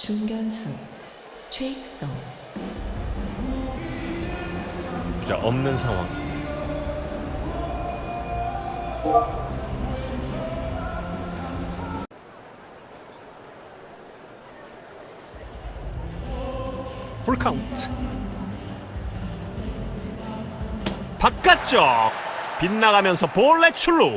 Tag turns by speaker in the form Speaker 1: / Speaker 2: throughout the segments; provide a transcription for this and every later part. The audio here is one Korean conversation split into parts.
Speaker 1: 중견수 최익성.
Speaker 2: 주자 없는 상황. 풀카운트. 바깥쪽 빗나가면서 볼넷 출루.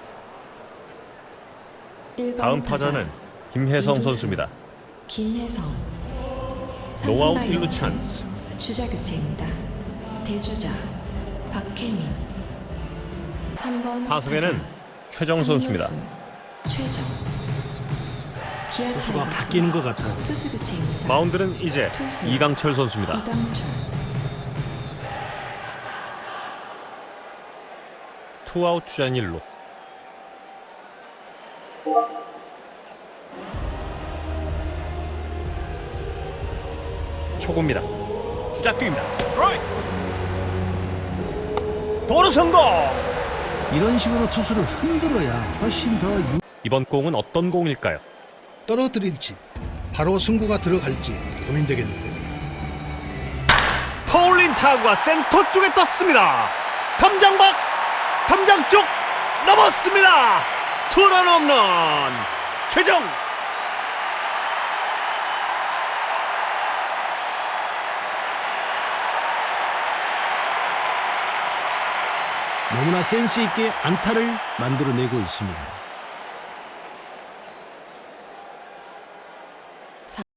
Speaker 2: 다음 타자는 김혜성 선수입니다.
Speaker 1: 김혜성.
Speaker 2: 노아웃
Speaker 1: 삼성
Speaker 2: 1루
Speaker 1: 라이온즈
Speaker 2: 찬스.
Speaker 1: 주자 교체입니다. 대주자 박혜민. 3번
Speaker 2: 타석에는 최정 선수입니다.
Speaker 1: 최정. 기아
Speaker 3: 투수가
Speaker 1: 타이거즈
Speaker 3: 바뀌는 것 같아요.
Speaker 1: 투수 교체입니다.
Speaker 2: 마운드는 이제
Speaker 1: 투수.
Speaker 2: 이강철 선수입니다.
Speaker 1: 이강철.
Speaker 2: 투아웃 주자 1루. 초구입니다. 주자 뛰입니다. 도루 성공.
Speaker 3: 이런 식으로 투수를 흔들어야 훨씬 더
Speaker 2: 이번 공은 어떤 공일까요?
Speaker 3: 떨어뜨릴지 바로 승부가 들어갈지 고민되겠는데.
Speaker 2: 파울린 타구가 센터 쪽에 떴습니다. 담장 밖, 담장 쪽 넘었습니다. 투런 홈런. 최정.
Speaker 3: 너무나 센스 있게 안타를 만들어내고 있습니다.